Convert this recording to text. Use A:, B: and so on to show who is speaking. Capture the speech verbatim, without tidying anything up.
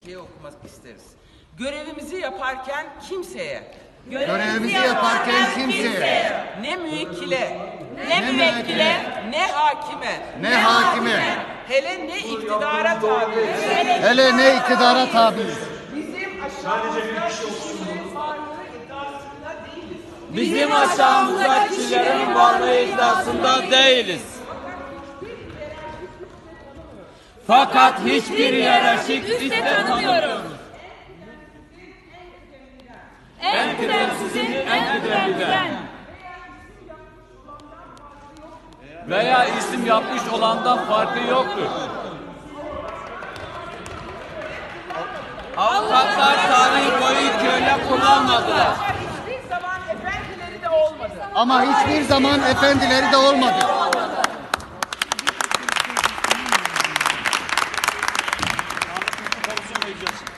A: okumak isteriz. Görevimizi yaparken kimseye,
B: Görevimizi yaparken kimseye,
A: ne müvekkile,
B: ne müvekkile,
A: ne hakime,
B: ne hakime,
A: hele ne iktidara tabiiz.
B: hele ne iktidara tabiiz.
A: Bizim aşağımızda kişilerin varlığı iddiasında değiliz.
C: Bizim aşağımızda kişilerin varlığı iddiasında değiliz. Fakat hiçbir hiyerarşik üste tanımıyoruz. En kıdemsizin en kıdemliden veya isim yapmış olandan farkı yoktur. Avukatlar tarih boyu köle kullanmadılar.
A: Hiçbir zaman efendileri de olmadı.
B: Ama hiçbir zaman efendileri de olmadı.
D: Komisyon meclisi.